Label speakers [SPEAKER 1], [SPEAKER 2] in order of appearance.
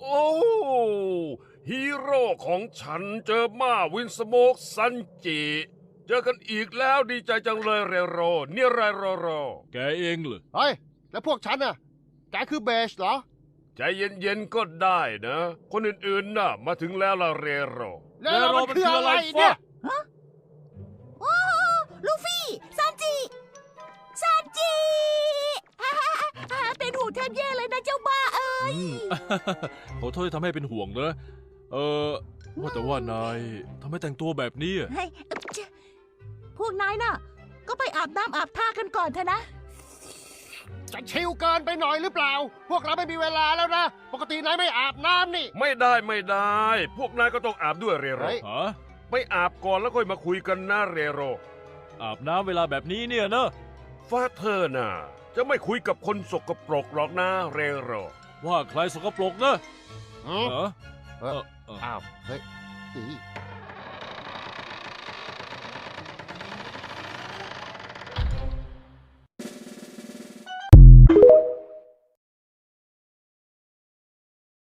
[SPEAKER 1] โอ้ฮีโร่ของฉันเจอมาวินสโมกซันจิเจอกันอีกแล้วดีใจจังเลยเรโรเนี่ยไรโร
[SPEAKER 2] แกเองเหรอ
[SPEAKER 3] เฮ้ยแล้วพวกฉันน่ะแกคือเบสเหรอ
[SPEAKER 1] ใจเย็นๆก็ได้นะ คนอื่นๆน่ะมาถึงแล้วล่ะเรโร
[SPEAKER 3] แล้วเรามันคืออะไรเนี่ย
[SPEAKER 4] โอ้ลูฟี่ซันจิเป็นห่วงแทบแย่เลยนะเจ้าบ้าเอ้ย
[SPEAKER 2] ขอโทษที่ทำให้เป็นห่วงนะว่าแต่ว่านายทำไมแต่งตัวแบบนี้อะ
[SPEAKER 4] เฮ้ยพวกนายน่ะ ก็ไปอาบน้ำอาบท่ากันก่อนเถอะนะ
[SPEAKER 3] จะชิวเกินไปหน่อยหรือเปล่า พวกเราไม่มีเวลาแล้วนะ ปกตินายไม่อาบน้ำนี่
[SPEAKER 1] ไม่ได้ พวกนายก็ต้องอาบด้วยเรโร
[SPEAKER 3] เฮ้ย
[SPEAKER 2] ฮะ
[SPEAKER 1] ไม่อาบก่อนแล้วค่อยมาคุยกันนะเรโร
[SPEAKER 2] อาบน้ำเวลาแบบนี้เนี่ยเนอะ
[SPEAKER 1] ฟาเธอร์น่ะจะไม่คุยกับคนสกปรกหรอกนะเรโร
[SPEAKER 2] ว่าใครสกปรกนะ
[SPEAKER 3] หืม
[SPEAKER 2] เหรอ
[SPEAKER 3] อ้าว เฮ้ยอี